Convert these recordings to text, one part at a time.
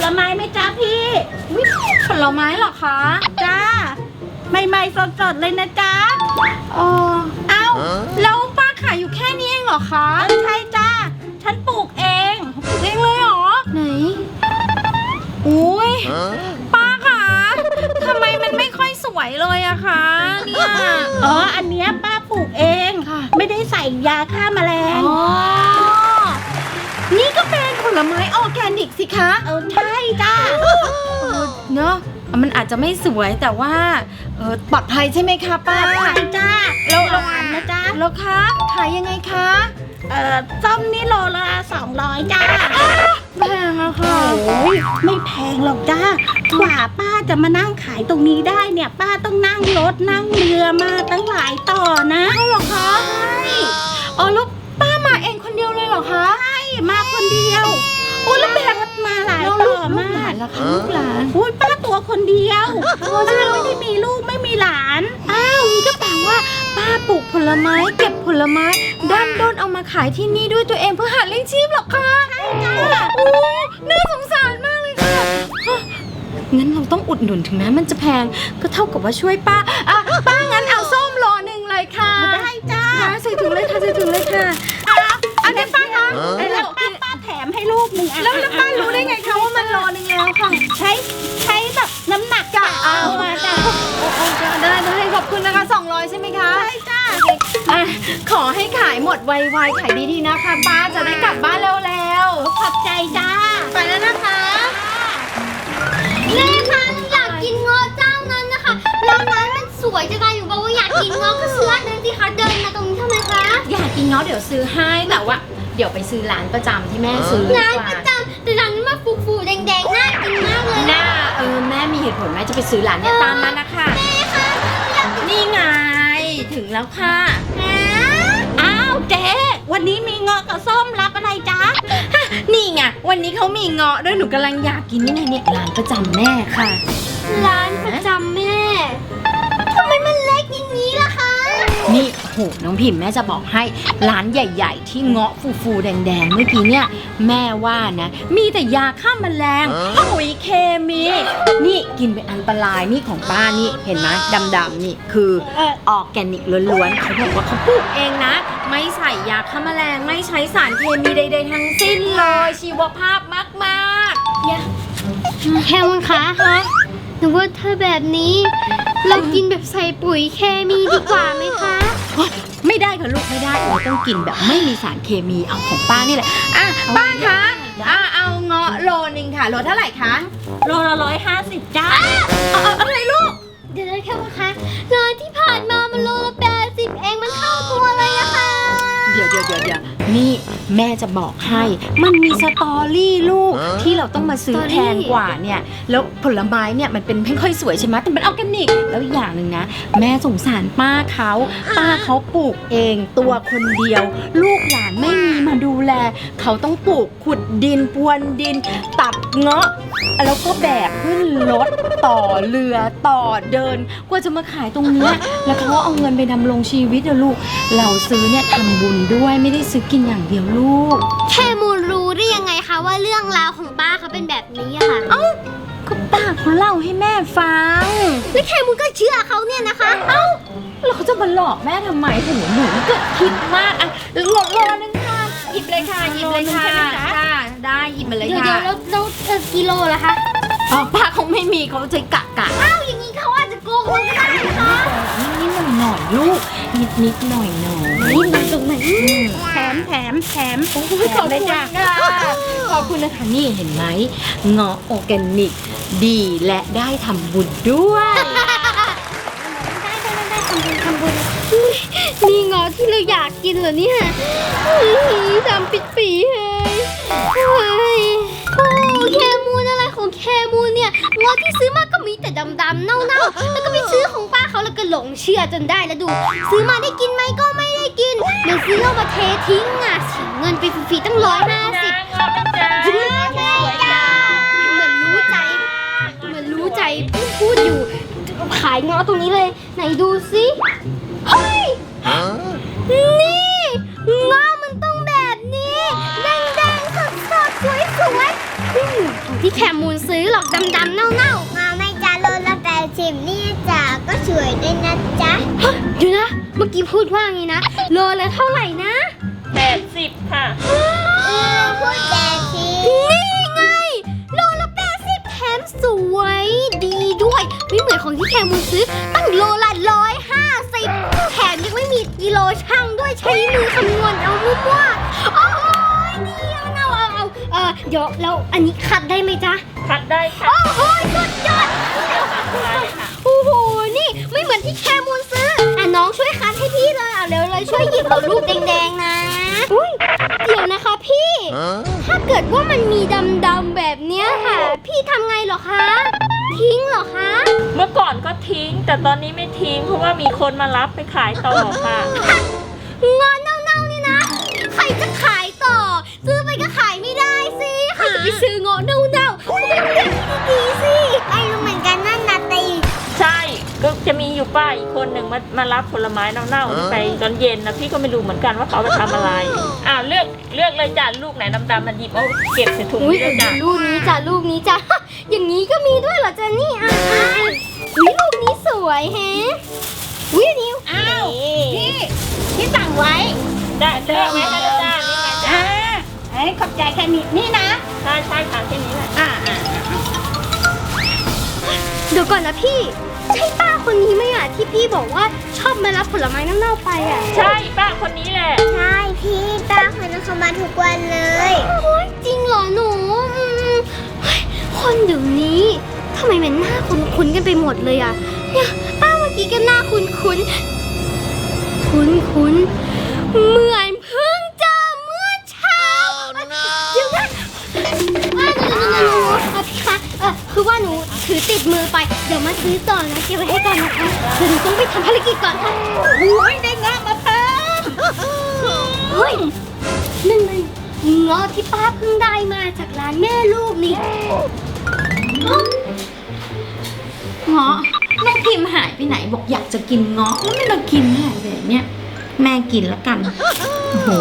ไม้ไหมจ๊ะพี่ผลไม้เหรอคะจ้าใหม่ๆสดๆเลยนะจ๊ะเอ้าแล้วป้าขายอยู่แค่นี้เองเหรอคะใช่จ้าฉันปลูกเองปลูกเองเลยเหรอไหนอุ้ยป้าคะทำไมมันไม่ค่อยสวยเลยอะคะเนี่ยอันเนี้ยป้าปลูกเองไม่ได้ใส่ยาฆ่าแมลงนี่ก็เป็นผลไม้ออร์แกนิกสิคะใช่จ้าเนอะมันอาจจะไม่สวยแต่ว่าปลอดภัยใช่ไหมคะป้าใช่จ้าแล้วหวานนะจ้าแล้วคะขายยังไงคะส้มนี่โลละ200จ้าแพงอะค่ะไม่แพงหรอกจ้ากว่าป้าจะมานั่งขายตรงนี้ได้เนี่ยป้าต้องนั่งรถนั่งเรือมาตั้งหลายต่อนะเหรอคะใช่แล้วป้ามาเองคนเดียวเลยเหรอคะใช่มาคนเดียวแล้วแบกมาหลายต่อมากแล้วค่ะลูกหลานป้าตัวคนเดียวป้าไม่ได้มีลูกไม่มีหลานนี่ก็แปลว่าป้าปลูกผลไม้เก็บผลไม้ด้านด้นเอามาขายที่นี่ด้วยตัวเองเพื่อหาเลี้ยงชีพหรอคะใช่จ้าน่าสงสารมากเลยค่ะงั้นเราต้องอุดหนุนถึงแม้มันจะแพงก็เท่ากับว่าช่วยป้าป้างั้นเอาส้มโลนึงเลยค่ะได้จ้าใส่ถุงเลยค่ะใส่ถุงเลยค่ะอันนี้ป้าคะแล้วป้าแถมให้ลูกนึงแล้วป้ารู้ได้ไงคะว่ามันโลนึงแล้วค่ะใช้แบบน้ำหนักจ้ะเอามาจ้ะได้ขอบคุณนะคะ200ใช่ไหมคะใช่จ้าขอให้ขายหมดไวๆขายดีๆนะคะป้าจะได้กลับบ้านแล้วขอบใจจ้าไปแล้วนะคะแม่คะหนูอยากกินเงาะเจ้านั้นนะคะร้านนั้นมันสวยจะตายอยู่บอกว่าอยากกินเงาะก็ซื้ออันนั้นสิคะเดินมาตรงนี้ทำไมคะอยากกินเงาะเดี๋ยวซื้อให้แต่ว่าเดี๋ยวไปซื้อร้านประจำที่แม่ซื้อร้านประจำแต่ร้านนี้มาฟูๆแดงๆน่ากินมากเลยแม่มีเหตุผลแม่จะไปซื้อร้านเนี่ยตามมานะคะแม่คะนี่ไงถึงแล้วค่ะเจ๊วันนี้มีเงาะกับส้มรับอะไรจ๊ะนี่ไงวันนี้เขามีเงาะด้วยหนูกำลังอยากกินนี่ไงเนี่ยร้านประจำแม่ค่ะร้านประจำแม่ทำไมมันเล็กอย่างนี้ล่ะคะนี่โหน้องพิมพ์แม่จะบอกให้ร้านใหญ่ๆที่เงาะฟูๆแดงๆเมื่อกี้เนี่ยแม่ว่านะมีแต่ยาฆ่าแมลงปุ๋ยเคมีนี่กินเป็นอันตรายนี่ของป้านี่เห็นไหมดำๆนี่คือออร์แกนิกล้วนๆเขาบอกว่าเขาปลูกเองนะไม่ใส่ยาฆ่าแมลงไม่ใช้สารเคมีใดๆทั้งสิ้นเลยชีวภาพมากๆแค่มั้งคะหนูว่าถ้าแบบนี้เรากินแบบใส่ปุ๋ยเคมีดีกว่าไหมคะไม่ได้ค่ะลูกไม่ได้เราต้องกินแบบไม่มีสารเคมีเอาของป้านี่แหละป้าคะเอาเงาะโลนึงค่ะโลเท่าไหร่คะโลละ150จ้าอะไรลูกเดี๋ยวแค่มั้งคะร้านที่ผ่านมามันโลละ80เองมันเข้าตัวเลยอะค่ะเดี๋ยวนี่แม่จะบอกให้มันมีสตอรี่ลูกที่เราต้องมาซื้อแพงกว่าเนี่ยแล้วผลไม้เนี่ยมันเป็นไม่ค่อยสวยใช่ไหมแต่มันออร์แกนิกแล้วอย่างหนึ่งนะแม่สงสารป้าเขาปลูกเองตัวคนเดียวลูกหลานไม่มีมาดูแลเขาต้องปลูกขุดดินพรวนดินตัดเงาะแล้วก็แบกขึ้นรถต่อเรือต่อเดินกว่าจะมาขายตรงนี้แล้วเขาเอาเงินไปดำรงชีวิตนะลูกเราซื้อเนี่ยทำบุญด้วยไม่ได้ซื้อกินอย่างเดียวลูกแค่มูลรู้ได้ยังไงคะว่าเรื่องราวของป้าเขาเป็นแบบนี้อะค่ะก็ป้าเขาเล่าให้แม่ฟังแล้วแค่มูลก็เชื่อเขาเนี่ยนะคะแล้วเขาจะมาหลอกแม่ทำไมหนูก็คิดมากโลนึงค่ะหยิบเลยค่ะได้หยิบมาเลยค่ะเดี๋ยวแล้วกิโลล่ะคะป้าเขาไม่มีเขาจะกะอย่างนี้เขาอาจจะโกงก็ได้นะคะนิดหน่อยลูกนิดหน่อยนี่ตรงไหนแถมขอบคุณเลยจ้ะขอบคุณนะคะนี่เห็นไหมเงาะออร์แกนิกดีและได้ทำบุญด้วยทำบุญนี่เงาะที่เราอยากกินเหรอเนี่ยดำปิดปีเลยแคมูนอะไรของแคมูนเนี่ยเงาะที่ซื้อมาก็มีแต่ดำๆเน่าๆแล้วก็ไปซื้อของป้าเขาแล้วก็หลงเชื่อจนได้แล้วดูซื้อมาได้กินไหมก็ไม่ได้กินเดี๋ยวซื้อเอามาเททิ้งเสียเงินไปฟรีๆตั้ง150เหมือนรู้ใจพูดอยู่ขายเงาะตรงนี้เลยไหนดูสิเฮ้ยนี่เงาะมันต้องแบบนี้แดงๆสดๆสวยๆที่ที่แคมูลซื้อหรอกดำๆเน่าๆมาไม่จ้าโลละ80นี่จ้าก็สวยด้วยนะจ๊ะเดี๋ยวนะเมื่อกี้พูดว่าไงนะโลละเท่าไหร่นะ 80 ค่ะพูด80นี่ไงโลละ80แถมสวยดีด้วยไม่เหมือนของที่แคมูลซื้อตั้งโลละ150แถมยังไม่มีกิโลช่างด้วยใช้มือคำนวณเอามั่วๆโอ้ยดีเอาเดี๋ยวแล้วอันนี้คัดได้ไหมจ๊ะคัดได้ค่ะโอ้โหสุดยอดโอ้โหนี่ไม่เหมือนที่แคมูลซื้ออ่ะน้องช่วยคัดให้พี่เลยเอาเร็วเลยช่วยหยิบเอารูปแดงๆนะอุ้ยเดี๋ยวนะคะพี่ ถ้าเกิดว่ามันมีดำๆแบบเนี้ยค่ะ พี่ทำไงเหรอคะ ทิ้งเหรอคะเมื่อก่อนก็ทิ้ง แต่ตอนนี้ไม่ทิ้งเพราะว่ามีคนมารับไปขายต่อค่ะงอนเน่าๆนี่นะ ใครจะขายต่อ ซื้อไปก็ขายไม่ได้สิใครจะไปซื้องอเน่าๆต้องเลือกที่ดีๆสิไอ้รู้เหมือนกันนั่นนาตีใช่ก็จะมีอยู่ป้าอีกคนหนึ่งมารับผลไม้เน่าๆไปตอนเย็นนะพี่ก็ไม่รู้เหมือนกันว่าเขาเอาไปทำอะไรเลือกเลยจ้ะลูกไหนดำๆมันหยิบเอาเก็บใส่ถุงอุ้ยนี่เลยจ้ะลูกนี้จ้ะลูกนี้จ้ะ อย่างนี้ก็มีด้วยเหรอจ๊ะนี่อุ้ยลูกนี้สวยแฮะอุ้ยอันนี้อ้าวพี่สั่งไว้ได้เลือกไว้ให้แล้วจ้านี่ไงจ้าขอบใจแค่นี้นี่นะใช่ค่ะแค่นี้แหละเดี๋ยวก่อนนะพี่ ใช่ป้าคนนี้ไหมอ่ะที่พี่บอกว่าชอบมารับผลไม้เน่าๆไปอ่ะใช่ป้าคนนี้แหละใช่พี่ป้าคนนั้นเขามาทุกวันเลยโอ้ยจริงเหรอหนูเฮ้ยคนเดี๋ยวนี้ทำไมมันหน้าคุ้นๆกันไปหมดเลยอ่ะเนี่ยป้าเมื่อกี้ก็หน้าคุ้นๆเหมือนเพิ่งเจอเมื่อเช้าเดี๋ยวนะพี่คะคือว่าหนูถือติดมือไปเดี๋ยวมาซื้อต่อนะเก็บไว้ให้ก่อนนะคะเดี๋ยวหนูต้องไปทำภารกิจก่อนค่ะโอ้ยได้งามาเพิ่มเฮ้ยนั่นมันเงาะที่ป้าเพิ่งได้มาจากร้านแม่ลูกนี่เงาะน้องพิมพ์หายไปไหนบอกอยากจะกินเงาะแล้วไม่มากินหายแบบเนี้ยแม่กินแล้วกันโอ้โห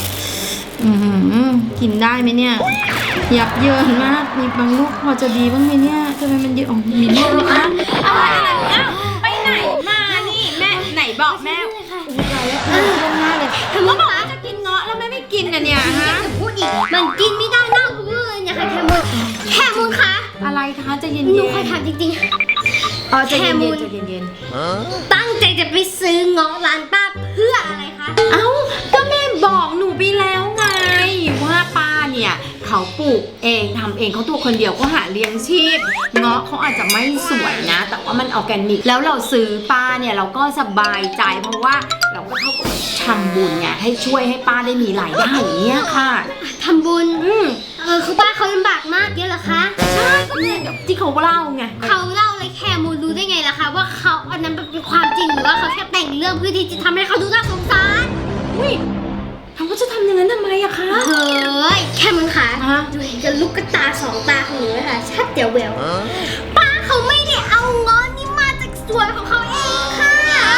กินได้ไหมเนี่ยยับเยินมากมีบางลูกพอจะดีบ้างไหมเนี่ยทำไมมันเยอะอ๋อมีลูกไหมคะอะไรไปไหนมานี่แม่ไหนบอกแม่ทำงานเลยก็บอกว่าจะกินเงาะแล้วแม่ไม่กินกันเนี่ยฮะพูดอีกมันกินไม่ได้เน่าทุกเรื่องเนี่ยค่ะแคมูลคะอะไรคะจะเย็นหนูขอถามจริงอ๋อจะเย็นจะเย็นๆตั้งใจจะไปซื้อเงาะร้านป้าเพื่ออะไรคะเอ้าก็แม่บอกหนูไปแล้วไงว่าป้าเนี่ยเขาปลูกเองทำเองเขาตัวคนเดียวก็หาเลี้ยงชีพเงาะเขาอาจจะไม่สวยนะ แต่ว่ามันออร์แกนิกแล้วเราซื้อป้าเนี่ยเราก็สบายใจเพราะว่าเราก็เท่ากับทำบุญไงให้ช่วยให้ป้าได้มีรายได้อย่างเงี้ยค่ะทำบุญคือป้าเขาลำบากมากเยอะเหรอคะใช่ก็เนี่ยที่เขาเล่าไงเขาเล่าเลยแคมูลรู้ได้ไงล่ะคะว่าเขาอันนั้นเป็นความจริงหรือว่าเขาแค่แต่งเรื่องเพื่อที่จะทำให้เขาดูน่าสงสารอุ้ยทำก็จะทำอย่างนั้นทำไมอะคะเฮ้ยแค่มึงค่ะฮะดูเห็นกับลูกตาสองตาของหนูไหมคะชัดเดี๋ยวแววป้าเขาไม่ได้เอาเงาะนี่มาจากสวนของเขาเองค่ะ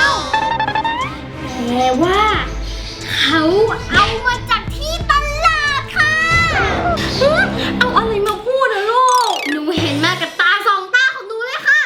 แต่ว่าเขาเอามาจากที่ตลาดค่ะเอาอะไรมาพูดอะลูกหนูเห็นมากับตาสองตาของหนูเลยค่ะ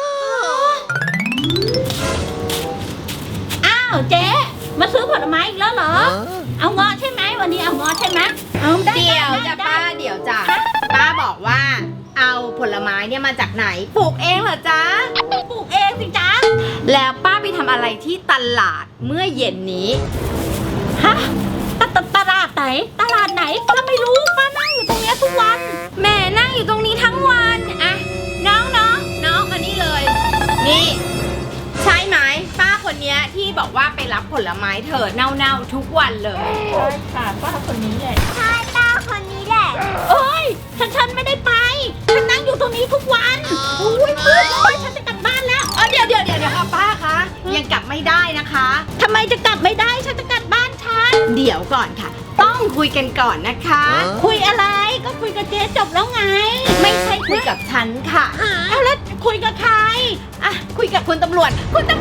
อ้าวเจ๊มาซื้อผลไม้อีกแล้วเหรอ เอาเงาะใช่ไหมวันนี้เอาเงาะใช่ไหมเอาได้เดี๋ยวจ้ะได้ป้าเดี๋ยวจ้ะป้าบอกว่าเอาผลไม้เนี่ยมาจากไหนปลูกเองเหรอจ๊ะปลูกเองสิจ๊ะแล้วป้าไปทำอะไรที่ตลาดเมื่อเย็นนี้ฮะตลาดไหนตลาดไหนป้าไม่รู้ป้านั่งอยู่ตรงเนี้ยทุกวันแม่นั่งอยู่ตรงนี้ทั้งวันอะน้องมานี่เลย นี่ ใช่ไหมป้าคนเนี้ยที่บอกว่าไปรับผลไม้เธอเน่าๆทุกวันเลยใช่ค่ะป้าคนนี้แหละใช่ป้าคนนี้แหละเอ้ยฉันไม่ได้ไปฉันนั่งอยู่ตรงนี้ทุกวันโอ้ยมืดเลยฉันจะกลับบ้านแล้วเดี๋ยวค่ะป้าคะยังกลับไม่ได้นะคะทำไมจะกลับไม่ได้ฉันจะกลับบ้านฉันเดี๋ยวก่อนค่ะ ต้องคุยกันก่อนนะคะคุยอะไรก็คุยกับเจ๊จบแล้วไงไม่ใช่คุยกับฉันค่ะเอาแล้วคุยกับใครอ่ะคุยกับคุณตำรวจคุณตำ